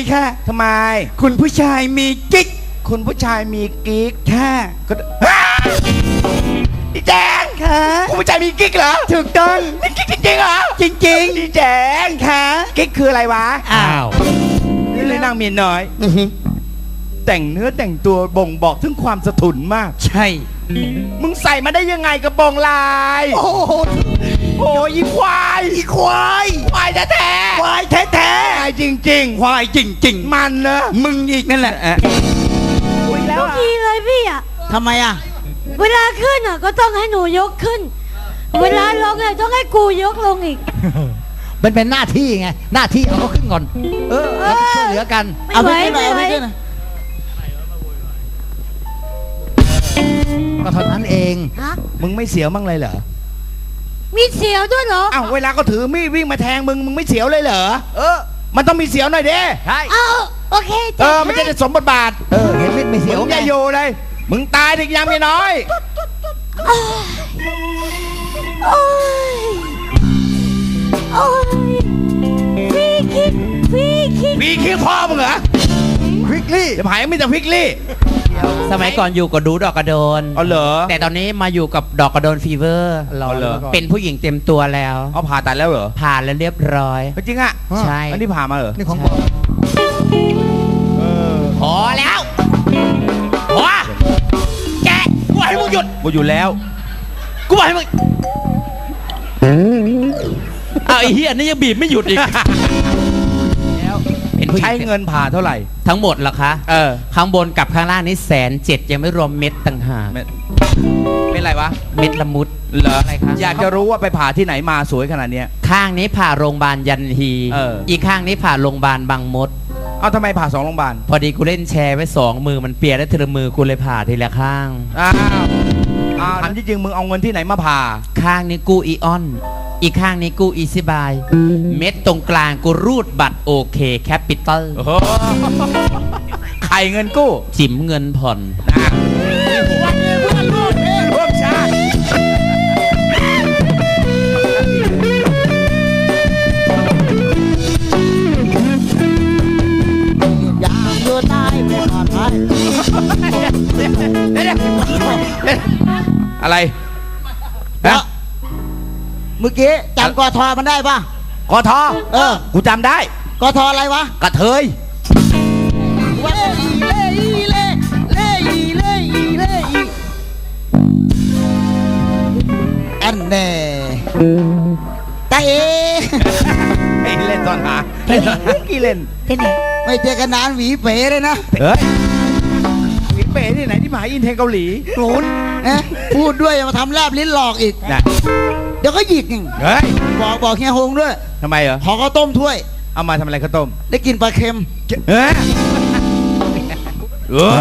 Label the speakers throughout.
Speaker 1: ค่ะ
Speaker 2: ทำไม
Speaker 1: คุณผู้ชายมีกิ๊ก
Speaker 2: คุณผู้ชายมีกิ๊ก
Speaker 1: ค่ะ
Speaker 2: ก็ดีแจง
Speaker 1: ค่ะ
Speaker 2: คุณผู้ชายมีกิ๊กเหรอ
Speaker 1: ถูกต้อง
Speaker 2: มีกิ๊กจริงๆเหรอ
Speaker 1: จริง
Speaker 2: ดีแจง
Speaker 1: ๆค่ะ
Speaker 2: กิ๊กคืออะไรวะ
Speaker 1: อ้าว
Speaker 2: นี่เลยนางเมียน้อย
Speaker 1: อื้อหือ
Speaker 2: แต่งเนื้อแต่งตัวบ่งบอกถึงความสะทุนมาก
Speaker 1: ใช่
Speaker 2: มึงใส่มาได้ยังไงกระโปรงลาย
Speaker 1: โอ้โห
Speaker 2: โอ้ยอีควาย
Speaker 1: อีควาย
Speaker 2: ควายแท้
Speaker 1: ควายแท้
Speaker 2: ๆควายจริง
Speaker 1: ๆควายจริง
Speaker 2: ๆ มันเนอะ
Speaker 1: ๆมึงอีกนั่นแหละ
Speaker 2: คุยแล้ว
Speaker 3: ทุก
Speaker 2: อะ
Speaker 3: ทีเลยพี่อ่ะ
Speaker 1: ทำไมอ่ะ
Speaker 3: เวลาขึ้นอ่ะก็ต้องให้หนูยกขึ้น เวลาลงเนี่ยต้องให้กูยกลงอีก
Speaker 4: มันเป็นหน้าที่ไง หน้าที่เอาเขาขึ้นก่อน เราจะช่วยเหลือกัน
Speaker 3: ไม่
Speaker 1: เอา
Speaker 3: ไห
Speaker 1: ไป
Speaker 3: ว
Speaker 1: ขึ้นหน่อย
Speaker 3: ไม่
Speaker 1: เอา
Speaker 3: ไหว
Speaker 1: ไปขึ้นหน่อย
Speaker 4: ก็เท่านั้นเอง
Speaker 3: ฮะ
Speaker 2: มึงไม่เสียวมั่งเลยเหรอ
Speaker 3: มีเสียวด้วยเหรอ
Speaker 2: อ้าวเวลาก็ถือมีดวิ่งมาแทงมึงไม่เสียวเลยเหรอมันต้องมีเสียวหน่อยเด้
Speaker 4: ใช่
Speaker 3: เอาโอเค
Speaker 2: มันจะได้สมบทบาท
Speaker 4: เห็นไม่เสียว
Speaker 2: มึง
Speaker 4: ไง
Speaker 2: อย่าอยู่เลย มึงตายถึงยังไม่น้อย
Speaker 3: โอ้ยโอ้ยพี่คิดพี่คิด
Speaker 2: มีขี้พ่อมึงเหรอ
Speaker 4: ควิกลี่
Speaker 2: จะหายไม่แต่พริกลี่
Speaker 5: สมัยก่อนอยู่กับดูดอกกระโดน
Speaker 2: เอาเหรอ
Speaker 5: แต่ตอนนี้มาอยู่กับดอกกระโดนฟีเวอร์
Speaker 2: เอาเหรอ
Speaker 5: เป็นผู้หญิงเต็มตัวแล้ว
Speaker 2: เอาผ่าตัดแล้วเหรอ
Speaker 5: ผ่านแล้วเรียบร้อย
Speaker 2: จริงอ่ะ
Speaker 5: ใช่
Speaker 2: อันนี้ผ่ามาเหรอ
Speaker 4: นี่ของบอก
Speaker 5: พอแล้วพอแกกูให้มึงหยุด
Speaker 2: กูอยู่แล้ว
Speaker 5: กูบอกให้มึงอ้าวไอ้เฮียนี่ยังบีบไม่หยุดอีกแล้วเป็นผู้หญิ
Speaker 2: ใช้
Speaker 5: ง
Speaker 2: เงินผ่าเท่าไหร่
Speaker 5: ทั้งหมดเหรอคะ
Speaker 2: อ
Speaker 5: ข้างบนกับข้างล่างนี่107,000ยังไม่รวมเม็ดต่างหาก
Speaker 2: เป็นไรวะ
Speaker 5: เม็ดละมุด
Speaker 2: เหรอ
Speaker 5: อะไรคะ
Speaker 2: อยากจะรู้ว่าไปผ่าที่ไหนมาสวยขนาดเนี้ย
Speaker 5: ข้างนี้ผ่าโรงพยาบาลยันฮี
Speaker 2: อี
Speaker 5: กข้างนี้ผ่าโรงพยาบาลบางมด
Speaker 2: เอาทำไมผ่า2โรงพยาบาล
Speaker 5: พอดีกูเล่นแชร์ไว้2 มือมันเปียกแล้วทีละมือกูเลยผ่าทีละข้าง
Speaker 2: อ้าวถามจริงๆมึงเอาเงินที่ไหนมาผ่า
Speaker 5: ข้างนี้กูอีออน อีกข้างนี้กูอีซิบาย เม็ดตรงกลางกูรูดบัตรโอเคแคปิตอล
Speaker 2: ไข่เงินกู้
Speaker 5: จิ๋มเงินผ่อน
Speaker 2: ร่วมชาติ
Speaker 1: อยากอยู่ใต้ไม่ปลอดภัย
Speaker 2: อะไร
Speaker 1: แล้วเมื่อกี้จำกทมันได้ปะ
Speaker 2: กท กูจำได้
Speaker 1: กทอะไรวะ
Speaker 2: กระเทย
Speaker 1: อันแน่ตาเอ
Speaker 2: ไอ้เล่นตอนหาเล่นตอนหากี่เล่น
Speaker 3: เป็นไง
Speaker 1: ไม่เจอกันนานหวีเป๋เลยนะ
Speaker 2: เฮ้ยหวีเป๋ที่ไหนที่มหาอินเทนเกาหลี
Speaker 1: โหนนะพูดด้วยอย่ามาทำแลบลิ้นหลอกอีก
Speaker 2: นะ
Speaker 1: เดี๋ยวก็หยิกอีก
Speaker 2: เฮ้ย
Speaker 1: บอกเฮียฮงด้วย
Speaker 2: ทำไมเหรอ
Speaker 1: ขอข้าวต้มถ้วย
Speaker 2: เอามาทำอะไรข้าวต้ม
Speaker 1: ได้กินปลาเค็ม
Speaker 2: เฮ้ยเออ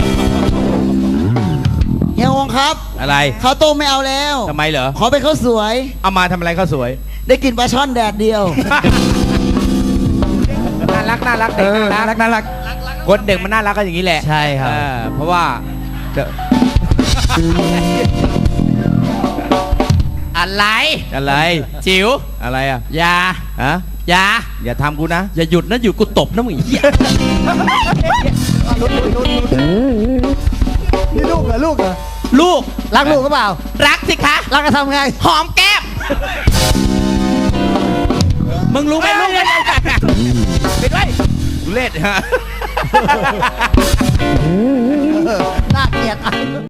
Speaker 1: เฮียฮงครับ
Speaker 2: อะไร
Speaker 1: ข้าวต้มไม่เอาแล้ว
Speaker 2: ทำไมเหรอ
Speaker 1: ขอเป็นข้าวสวย
Speaker 2: เอามาทำอะไรข้าวสวย
Speaker 1: ได้กินปลาช่อนแดดเดียว
Speaker 2: น่ารักน่ารักเด็กน่ารักน่ารักคนเด็กมันน่ารักก็อย่างนี้แหละ
Speaker 5: ใช่ครับ
Speaker 2: เพราะว่าเดี๋ยว
Speaker 5: อะไร
Speaker 2: อะไร
Speaker 5: จิ๋ว
Speaker 2: อะไรอ่ะ
Speaker 5: อย่า
Speaker 2: ฮะ
Speaker 5: อย่า
Speaker 2: อย่าทำกูนะ
Speaker 5: อย่าหยุดนะหยุดกูตบนะมึงเหี้ย
Speaker 4: นี่ลูกเหรอลูกเหรอ
Speaker 5: ลูก
Speaker 4: รักลูกหรือเปล่า
Speaker 5: รักสิคะ
Speaker 4: รักก็ทำไง
Speaker 5: หอมแก้ม มึงรู้ไหมลูกมัน
Speaker 2: ไปด้วยทุเล่ฮะ
Speaker 4: น่าเกลียด